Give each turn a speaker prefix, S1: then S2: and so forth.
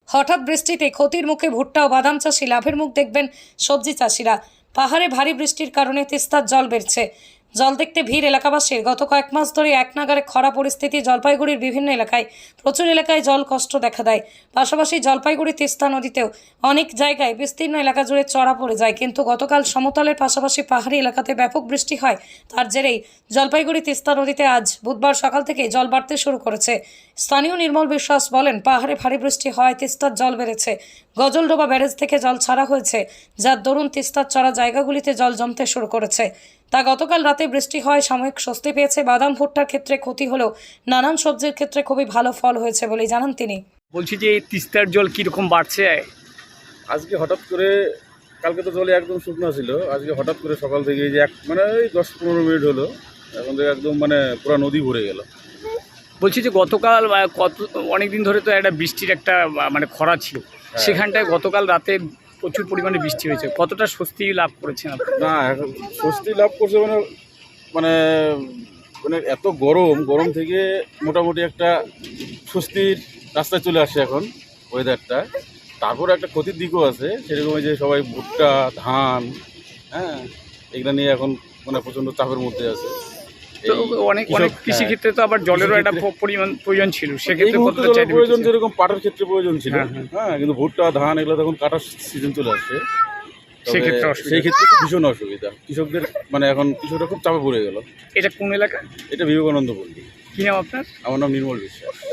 S1: হঠাৎ বৃষ্টিতে ক্ষতির মুখে ভুট্টা ও বাদাম চাষি, লাভের মুখ দেখবেন সবজি চাষিরা। পাহাড়ে ভারী বৃষ্টির কারণে তিস্তার জল বেড়েছে। জল দেখতে ভিড় এলাকাবাসীর। গত কয়েক মাস ধরে এক নাগারে খরা পরিস্থিতি। জলপাইগুড়ির বিভিন্ন এলাকায় প্রচুর এলাকায় জল কষ্ট দেখা দেয়। পাশাপাশি জলপাইগুড়ি তিস্তা নদীতেও অনেক জায়গায় বিস্তীর্ণ এলাকা জুড়ে চড়া পড়ে যায়। কিন্তু গতকাল সমতলের পাশাপাশি পাহাড়ি এলাকাতে ব্যাপক বৃষ্টি হয়। তার জেরেই জলপাইগুড়ি তিস্তা নদীতে আজ বুধবার সকাল থেকে জল বাড়তে শুরু করেছে। স্থানীয় নির্মল বিশ্বাস বলেন, পাহাড়ে ভারী বৃষ্টি হয় তিস্তার জল বেড়েছে। গজলডোবা ব্যারেজ থেকে জল ছাড়া হয়েছে, যার দরুন তিস্তার চড়া জায়গাগুলিতে জল জমতে শুরু করেছে। তা গতকাল রাতে বৃষ্টি হয় সাময়িক স্বস্তি পেয়েছে। বাদাম ভুট্টার ক্ষেত্রে ক্ষতি হলেও নানান সবজির ক্ষেত্রে খুবই ভালো ফল হয়েছে বলেই জানান তিনি।
S2: বলছি যে এই তিস্তার জল কীরকম বাড়ছে?
S3: আজকে হঠাৎ করে, কালকে তো জলে একদম শুকনো ছিল, আজকে হঠাৎ করে সকাল থেকে এই যে মানে ওই 10-15 মিনিট হলো, এখন থেকে একদম মানে পুরো নদী ভরে গেল।
S2: বলছি যে গতকাল অনেক দিন ধরে তো একটা বৃষ্টির একটা মানে খরা ছিল, সেখানটায় গতকাল রাতে প্রচুর পরিমাণে বৃষ্টি হয়েছে। কতটা স্বস্তি লাভ করেছেন আপনি?
S3: না, এখন স্বস্তি লাভ করছে মানে মানে মানে এত গরম থেকে মোটামুটি একটা স্বস্তির রাস্তায় চলে আসছে এখন ওয়েদারটা। তারপর একটা ক্ষতির দিকও আছে, সেরকম যে সবাই ভুট্টা, ধান, হ্যাঁ, এগুলো নিয়ে এখন মানে প্রচণ্ড চাপের মধ্যে আছে।
S2: তো অনেক কৃষিক্ষেত্রে তো আবার জলেরও একটা প্রয়োজন ছিল, সেক্ষেত্রে কতটা চাহিদা
S3: প্রয়োজন, যেরকম পাটের ক্ষেত্রে প্রয়োজন ছিল, হ্যাঁ, কিন্তু ভুট্টা, ধান এগুলো তখন কাটার সিজন চলে আসছে, সেই ক্ষেত্রে ভীষণ অসুবিধা কৃষকদের। মানে এখন কৃষকরা খুব চাপে পড়ে গেল।
S2: এটা কোন এলাকা?
S3: এটা বিবেকানন্দ পল্লী।
S2: কি নাম আপনার?
S3: আমার নাম নির্মল বিশ্বাস।